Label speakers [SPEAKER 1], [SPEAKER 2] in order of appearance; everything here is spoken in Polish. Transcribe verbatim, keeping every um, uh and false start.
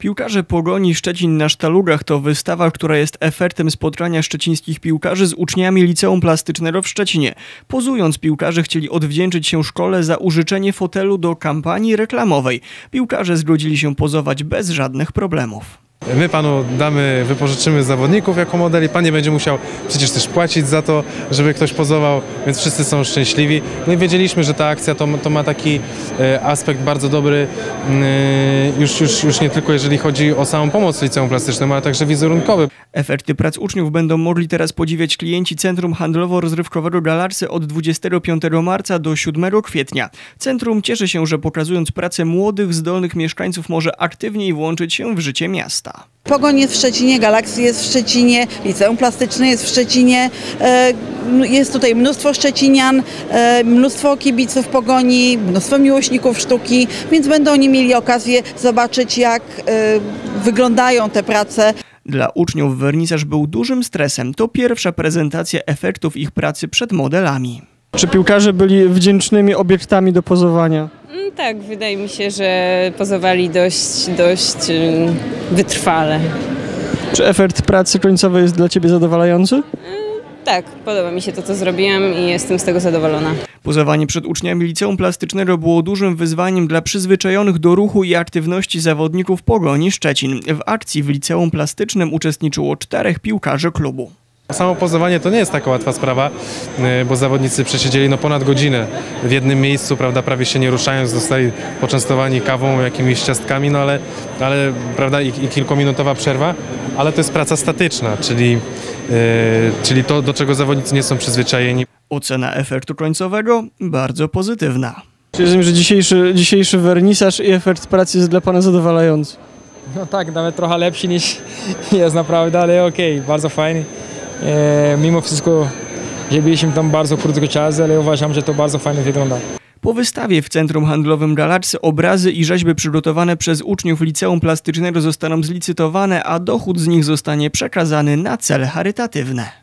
[SPEAKER 1] Piłkarze Pogoni Szczecin na Sztalugach to wystawa, która jest efektem spotkania szczecińskich piłkarzy z uczniami Liceum Plastycznego w Szczecinie. Pozując, piłkarze chcieli odwdzięczyć się szkole za użyczenie fotelu do kampanii reklamowej. Piłkarze zgodzili się pozować bez żadnych problemów.
[SPEAKER 2] My panu damy, wypożyczymy zawodników jako modeli, pan nie będzie musiał przecież też płacić za to, żeby ktoś pozował, więc wszyscy są szczęśliwi. No i wiedzieliśmy, że ta akcja to, to ma taki e, aspekt bardzo dobry, e, już, już, już nie tylko jeżeli chodzi o samą pomoc liceum plastycznemu, ale także wizerunkowy.
[SPEAKER 1] Efekty prac uczniów będą mogli teraz podziwiać klienci Centrum Handlowo-Rozrywkowego Galarcy od dwudziestego piątego marca do siódmego kwietnia. Centrum cieszy się, że pokazując pracę młodych, zdolnych mieszkańców może aktywniej włączyć się w życie miasta.
[SPEAKER 3] Pogoń jest w Szczecinie, Galaxy jest w Szczecinie, Liceum Plastyczne jest w Szczecinie, jest tutaj mnóstwo szczecinian, mnóstwo kibiców Pogoni, mnóstwo miłośników sztuki, więc będą oni mieli okazję zobaczyć, jak wyglądają te prace.
[SPEAKER 1] Dla uczniów wernisaż był dużym stresem. To pierwsza prezentacja efektów ich pracy przed modelami.
[SPEAKER 4] Czy piłkarze byli wdzięcznymi obiektami do pozowania?
[SPEAKER 5] Tak, wydaje mi się, że pozowali dość, dość wytrwale.
[SPEAKER 4] Czy efekt pracy końcowej jest dla Ciebie zadowalający?
[SPEAKER 5] Tak, podoba mi się to, co zrobiłam i jestem z tego zadowolona.
[SPEAKER 1] Pozowanie przed uczniami Liceum Plastycznego było dużym wyzwaniem dla przyzwyczajonych do ruchu i aktywności zawodników Pogoni Szczecin. W akcji w Liceum Plastycznym uczestniczyło czterech piłkarzy klubu.
[SPEAKER 2] Samo pozowanie to nie jest taka łatwa sprawa, bo zawodnicy przesiedzieli no ponad godzinę w jednym miejscu, prawda, prawie się nie ruszając, zostali poczęstowani kawą, jakimiś ciastkami, no ale, ale prawda, i, i kilkuminutowa przerwa, ale to jest praca statyczna, czyli, yy, czyli to, do czego zawodnicy nie są przyzwyczajeni.
[SPEAKER 1] Ocena efektu końcowego bardzo pozytywna.
[SPEAKER 4] Czy rozumiem, że dzisiejszy, dzisiejszy wernisaż i efekt pracy jest dla Pana zadowalający?
[SPEAKER 6] No tak, nawet trochę lepszy niż jest naprawdę, ale okej, okay, bardzo fajny. E, mimo wszystko, że byliśmy tam bardzo krótko czas, ale uważam, że to bardzo fajnie wygląda.
[SPEAKER 1] Po wystawie w Centrum Handlowym Galarcy obrazy i rzeźby przygotowane przez uczniów Liceum Plastycznego zostaną zlicytowane, a dochód z nich zostanie przekazany na cele charytatywne.